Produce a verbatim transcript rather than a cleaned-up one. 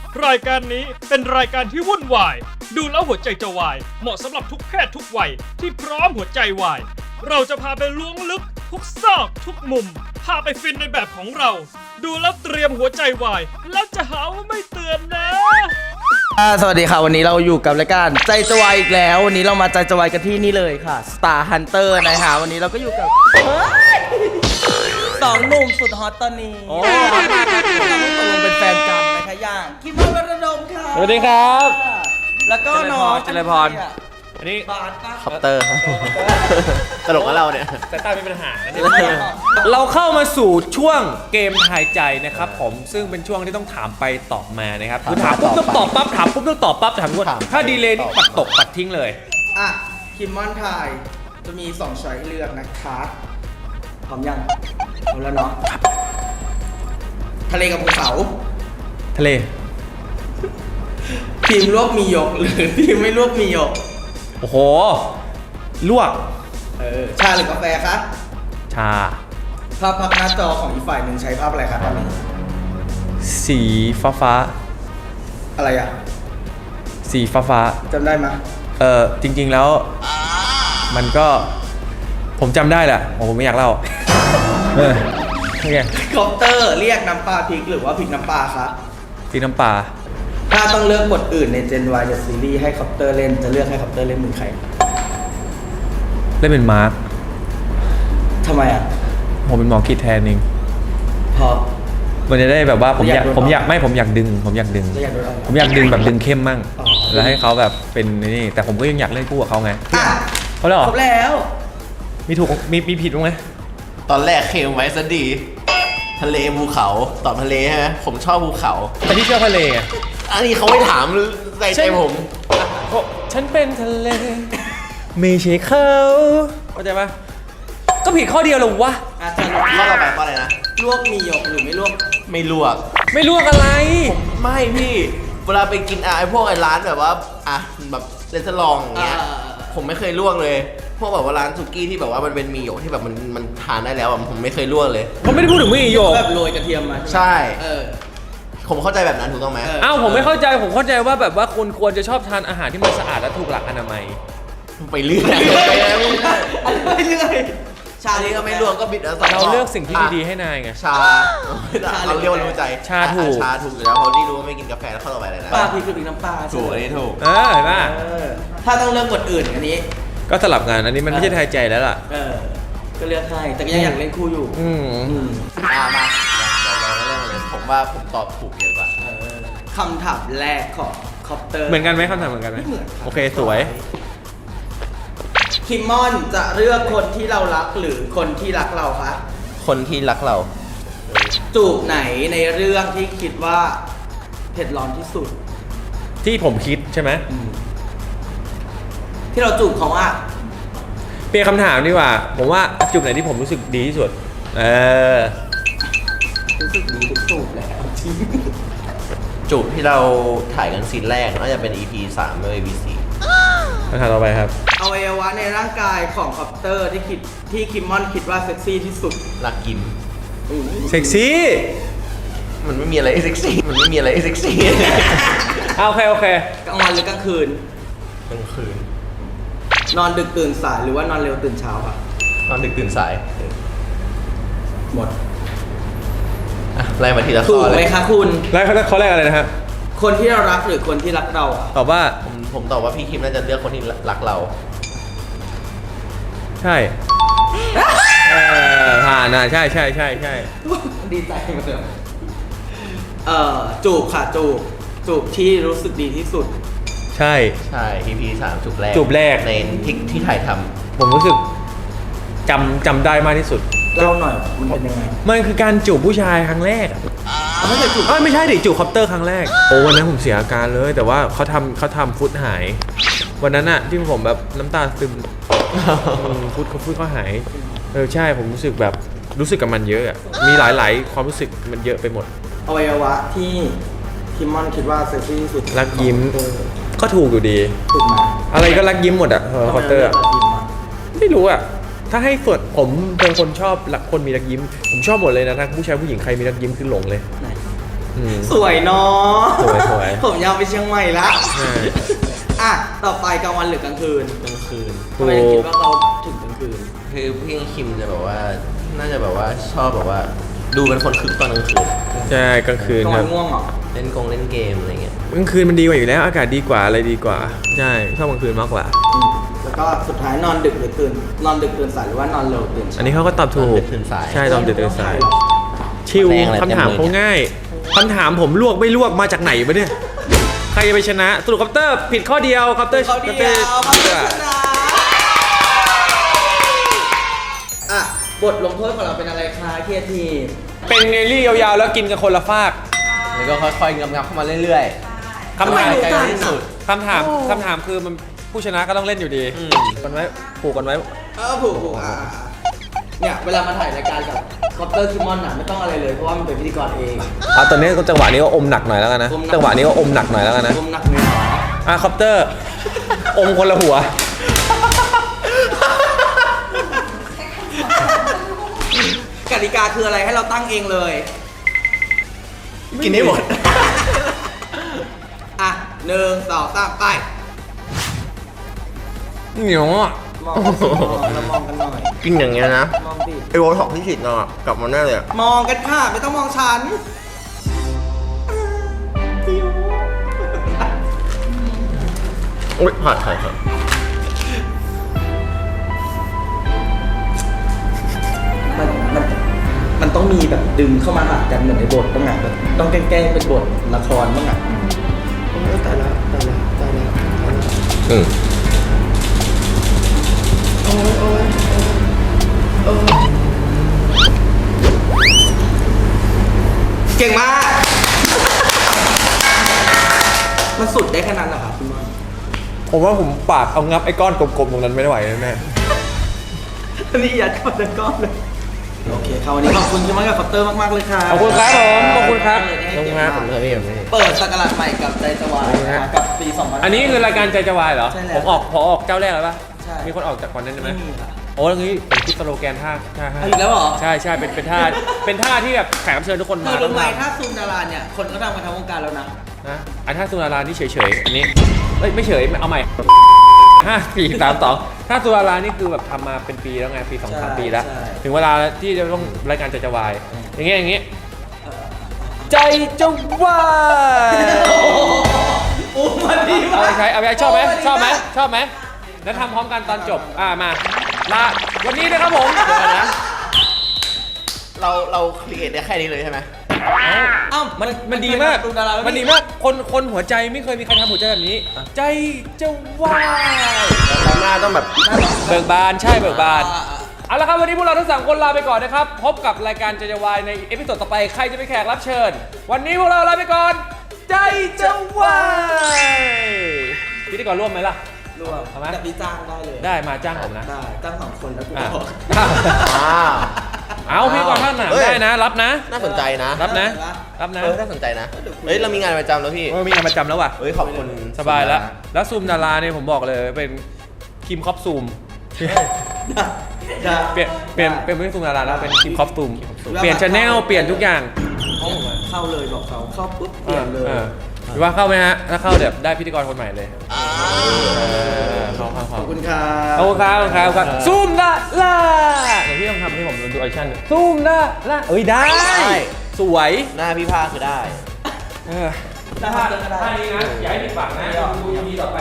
รายการนี้เป็นรายการที่วุ่นวายดูแล้วหัวใจจะวายเหมาะสำหรับทุกเพศทุกวัยที่พร้อมหัวใจวายเราจะพาไปล้วงลึกทุกซอกทุกมุมพาไปฟินในแบบของเราดูแล้วเตรียมหัวใจวายแล้วจะหาว่าไม่เตือนนะสวัสดีค่ะวันนี้เราอยู่กับรายการใจจะวายอีกแล้ววันนี้เรามาใจจะวายกันที่นี่เลยค่ะ Star Hunter นะคะวันนี้เราก็อยู่กับสองหนุ่มสุดฮอตตอนนี้โอ้ตกลงเป็นแฟนกันนะคะอย่างคิมมอนวรดมค่ะสวัสดีครับแล้วก็น้องเจริญพร อันนี้บาสป่ะคอปเตอร์ตลกกับเราเนี่ยแต่ตามีปัญหาเราเข้ามาสู่ช่วงเกมทายใจนะครับผมซึ่งเป็นช่วงที่ต้องถามไปตอบมานะครับคือถามปุ๊บต้องตอบปั๊บถามปุ๊บต้องตอบปั๊บถามปุ๊บถ้าดีเลย์นี่ปัดตกปัดทิ้งเลยอ่ะคิมมอนทายจะมีสองช้อยให้เลือกนะคะพร้อมยังพร้อมแล้วเนาะทะเลกับภูเขาทะเลทีมลวกมีหยกหรือทีมไม่ลวกมีหยกโอ้โหลวกเออชาหรือกาแฟคะชาภาพพักหน้าจอของอีกฝ่ายหนึ่งใช้ภาพอะไรคะตอนนี้สีฟ้าฟ้าอะไรอ่ะสีฟ้าฟ้าจำได้ไหมยเออจริงๆแล้วมันก็ผมจำได้แหละผมไม่อยากเล่าเออโอเคคอปเตอร์เรียกน้ำปลาพริกหรือว่าพริกน้ำปลาคะสีน้ำปลาถ้าต้องเลือกบทอื่นใน Gen Y จากซีรีส์ให้คอปเตอร์เล่นจะเลือกให้คอปเตอร์เล่นเป็นใครเล่นเป็นมาร์คทำไมอ่ะผมเป็นหมอกิจแทนเองเพราะมันจะได้แบบว่าผมอยากอยากโดนผมอยากไม่ผมอยากดึง ผมอยากดึงจะอยากโดนอะไรผมอยากดึงแบบดึงเข้มมั่งอ๋อแล้วให้เขาแบบเป็นนี่แต่ผมก็ยังอยากเล่นคู่กับเขาไงอ่ะเขาเลยเหรอครบแล้วมีถูกมีมีผิดบ้างไหมตอนแรกเคลมไว้ซะดี ทะเลภูเขาตอบทะเลใช่ไหมผมชอบภูเขาแต่ที่เชื่อทะเลอะอันนี้เขาไม่ถามใจใจผมโอ้ฉันเป็นทะเลไม่ใช่เขาเข้าใจปะก็ผิดข้อเดียวเหรอวะอาจารย์ข้อต่อไปข้ออะไรนะลวกมีหยกหรือไม่ลวกไม่ลวกไม่ลวกอะไรไม่พี่ เวลาไปกินอะไอพวกไอร้านแบบว่าอ่ะแบบเรสลองอย่างเงี้ย ผมไม่เคยลวกเลย พวกแบบว่าร้านสุกี้ที่แบบว่ามันเป็นหมีหยกที่แบบมันมันทานได้แล้วอะผมไม่เคยลวกเลยผมไม่ได้พูดถึงไม่โยกแบบโรยกระเทียมมาใช่เออผมเข้าใจแบบนั้นถูกต้องไหมเออเอ้าผมไม่เข้าใจผมเข้าใจว่าแบบว่าคนควรจะชอบทานอาหารที่มันสะอาดและถูกหลักอนามัยไปเรื่อยไปเรื่อยอะไรเรื่อยชาอันลีนี้ก็ก็ไม่ไม่ลลววกกก็บิดแล้วเราเลือกสิ่งที่ดีๆให้นายไงชาเราเรียกว่ารู้ใจชาถูกชาถูกอยู่แล้วเพราะที่รู้ว่าไม่กินกาแฟแล้วเข้าต่อไปเลยนะปลาพริกหรือพริกน้ำปลาถูกอันนี้ถูกเออเห็นป่ะเออถ้าต้องเลือกบทอื่นอันนี้ก็สลับงานอันนี้มันไม่ใช่ทายใจแล้วล่ะเออ ก็เลือกให้ แต่ก็ยังอยากเล่นคู่อยู่อืมอืมมามาเดี๋ยวเราเริ่มเลยผมว่าผมตอบถูกเยอะกว่าเออคำถามแรกของคอปเตอร์เหมือนกันไหมคำถามเหมือนกันไหมไม่เหมือนครับโอเคสวยคิมมอนจะเลือกคนที่เรารักหรือคนที่รักเราคะคนที่รักเราจูบไหนในเรื่องที่คิดว่าเผ็ดร้อนที่สุดที่ผมคิดใช่ไหมที่เราจูบเขาอะเปลี่ยนคำถามดีกว่า ผมว่าจุดไหนที่ผมรู้สึกดีที่สุด เออรู้สึกดีทุกจูบแล้วจริงจูบที่เราถ่ายกันซีนแรกน่าจะเป็น อี พี สามไม่ อี พี สี่คำถามต่อไปครับอวัยวะในร่างกายของคอปเตอร์ที่คิดที่คิมมอนคิดว่าเซ็กซี่ที่สุดรักยิ้มเซ็กซี่มันไม่มีอะไรให้เซ็กซี่ มันไม่มีอะไรให้เซ็กซี่อ่ะโอเคโอเคกลางวันหรือกลางคืนกลางคืนนอนดึกตื่นสายหรือว่านอนเร็วตื่นเช้าครับนอนดึกตื่นสายหมดอ่ะไล่มาทีละถูข้กอไหเลมยคะคุณแล้วข้อแรกอะไรนะครับคนที่เรารักหรือคนที่รักเราอะตอบว่าผมผมตอบว่าพี่คิมน่าจะเลือกคนที่รักเราใช่เออผ่านอ่ะใช่ใช่ใช่ใช่ดีใจมาเลยเอ่อจูบค่ะจูบจูบที่รู้สึกดีที่สุดใช่ใช่ อี พี สามจูบแรกจูบแรกในที่ที่ถ่ายทำผมรู้สึกจำจำได้มากที่สุดเล่าหน่อยมันเป็นยังไงมันคือการจูบผู้ชายครั้งแรกอะไม่เคยจูบเอ้ยไม่ใช่ดิจูบคอปเตอร์ครั้งแรกโอ้วันนั้นผมเสียอาการเลย แต่ว่าเขาทำเขาทำฟุตหาย วันนั้นอะที่ผมแบบน้ำตาซึมอืมฟุตเขาฟุตเขาหายเออใช่ผมรู้สึกแบบรู้สึกกับมันเยอะอะมีหลาย ๆ ความรู้สึกมันเยอะไปหมดอวัยวะที่คิมมอนคิดว่าเซ็กซี่ที่สุดรักยิ้มของคอปเตอร์ก็ถูกอยู่ดีถูกไหมอะไรก็รักยิ้มหมดอะเออคอปเตอร์อะทำไมเราเลือกรักยิ้มอะไม่รู้อะถ้าให้ส่วนผมเป็นคนชอบรักคนมีรักยิ้ม ผมชอบหมดเลยนะทั้งผู้ชายผู้หญิงใครมีรักยิ้มคือหลงเลยไหนนอืมสวยเนาะสวยสวยผมยาวไปเชียงใหม่ละใช่อ่ะต่อไปกลางวันหรือกลางคืนกลางคืนทำไมถึงคิดว่าเราถึงกลางคืนคือพี่คิมจะแบบว่า น่าจะแบบว่าชอบแบบว่า ดูเป็นคนคึกตอนกลางคืนใช่กลางคืนกลางควัรับนง่วงเหรอเล่นกงเล่นเกมอะไรเงี้ยกลางคืนมันดีกว่าอยู่แล้วอากาศดีกว่าอะไรดีกว่าใช่ชอบกลางคืนมากกว่าอืมแล้วก็สุดท้ายนอนดึกหรือตื่น นอนดึกตื่นสายหรือว่านอนเร็วตื่นเช้าอันนี้เขาก็ตอบถูนอนกดึกตื่นสายใช่ตอนดึกตื่นสายชิวแรงอะไรคำถามเต็มเลยเขาง่ายคำถามผมลวกไม่ลวกมาจากไหนวะเนี่ยใครจะไปชนะสรุปคอปเตอร์ผิดข้อเดียวคอปเตอร์เขาเดียวคอปเขาเตอชร์นะอ่ะบทลงโทษของเราเป็นอะไรคะเคทีเป็นเนลลี่ยาวๆแล้วกินกันคนละฟากแล้วก็ค่อยๆงับๆเข้ามาเรื่อยๆคำถามใกล้ๆที่สุดคำถามคำถามคือมันผู้ชนะก็ต้องเล่นอยู่ดีอืมกันไว้ผูกกันไว้เออผูกผูกอ่ะอ่ะเนี่ยเวลามาถ่ายรายการกับคอปเตอร์คิมอนอ่ะไม่ต้องอะไรเลยเพราะว่ามันเป็นพิธีกรเองอ่ะตอนนี้ก็จังหวะนี้ก็อมหนักหน่อยแล้วกันนะอมหนักจังหวะนี้ก็อมหนักหน่อยแล้วกันนะรวมหนักเนื้อหรออ่ะคอปเตอร์ อมคนละหัวกติกาคืออะไรให้เราตั้งเองเลยกินให้หมดอ่ะหนึ่งสองสามไปเหนียวอ่ะมองกันสิมองเรามองกันหน่อยกินอย่างเงี้ยนะมองดิไอโวท็อกที่ฉีดเนาะกลับมาแน่เลยอะมองกันค่ะไม่ต้องมองฉันโอ๊ยผ่านผ่านผ่านมันมันมันต้องมีแบบดึงเข้ามาหากันเหมือนในบทต้องไงแบบต้องแกล้งๆเป็นบทละครบ้างอ่ะโอ้ยตายแล้วตายแล้วตายแล้วตายแล้วอืมโอ้ยโอ้ยโอ้ยเก่งมาก มันสุดได้ขนาดนั้นเหรอครับคุณมอนผมว่าผมปากเอางับไอ้ก้อนกลมๆตรงนั้นไม่ไหวแน่อันนี้ยัดเข้าในก้อนเลย โอเคครับวันนี้ขอบคุณคุณมอนกับคอปเตอร์มากๆเลยค่ะๆขอบคุณครับผมขอบคุณครับขอบคุณครับผมเลยพี่ผมเลยเปิดสักราชใหม่กับใจสวายนะคะกับปีสองพันอันนี้คือรายการใจจะวายเหรอใช่แล้วผมออกพอออกเจ้าแรกแล้วปะใช่มีคนออกจากก่อนนั้นใช่ไหมไม่มีค่ะโอ้แล้วงี้ผมคิดสโลแกนท่าท่าให้เอาอีกแล้วเหรอใช่ใช่เป็นเป็นท่าเป็นท่าที่แบบแขกรับเชิญทุกคนเธมาอรู้ไหมต้องถ้าซูมดาราเนี่ย คนก็ดังมาทั้งวงการแล้วนะนะอันท่าสุนารานี่เฉยๆอันนี้เอ้ยไม่เฉยเอาใหม่ห้าสี่สามสองถ้าสุนารานี่คือแบบทำมาเป็นปีแล้วไงปีสองสามใช่ปีแล้วใช่ถึงเวลาที่จะต้องรายการใจจะวายอย่างเงี้ยอย่างเงี้ยใจจะวายโอ้มันดีเอามากไปใช้เอาไปใช้ชอบไหมโชอบไหมดีากชอบไหมแล้วทำพร้อมกันตอนจบอ่ามาลาวันนี้นะครับผมเดี๋ยวก่อนนะ เราเราครีเอทได้แค่นี้เลยใช่ไหมเอ้ามันมันดีมากซูมดาราแล้วมันดีมากคนคนหัวใจไม่เคยมีใครทำหัวใจแบบนี้ ใจจะวายเราหน้าต้องแบบเบิกบานใช่เบิกบานอ่อ่เอาละครับวันนี้พวกเราทั้งสามคนลาไปก่อนนะครับ พบกับรายการใจจะวายในเอพิโซดต่อไปใครจะเป็นแขกรับเชิญ วันนี้พวกเราลาไปก่อน ใจจะวายพิธีกรร่วมไหมล่ะรวมเอาไหมแต่พี่จ้างได้เลยได้มาจ้างผมนะได้จ้างสองคนแล้วกูอ่ะบอกอ้าวเอาพี่กรท่านหนาเฮ้ยได้นะ รับนะน่าสนใจนะรับนะ รับนะเออน่าสนใจนะ เฮ้ย เรามีงานประจำแล้วพี่เออมีงานประจำแล้วว่ะเฮ้ย ขอบคุณสบายแล้ว แล้วซูมดาราเนี่ยผมบอกเลยเป็นคิมคอปซูมได้เปลี่ยนเปลี่ยนเป็นไม่ใช่ซูมดาราแล้วเป็นคิมคอปซูมเปลี่ยนชแนลเปลี่ยนทุกอย่างเข้าเลยบอกเขาเข้าปุ๊บเปลี่ยนเลยออหรือว่าเข้าไหมฮะ ถ้าเข้าเดี๋ยวได้พิธีกรคนใหม่เลยเออเข้าเข้าขเข้าอบคุณครัขอบคุณครับขอบคุณครับขอบคุณครับซูมดาราเดี๋ยวพี่ต้องทำให้ผมดูออดิชั่นซูมดาราเอ้ยได้ สวยหน้าพี่ภาคคือได้เออได้ท่าได้ได้ท่านี้นะอย่าให้ผิดหวังนะดู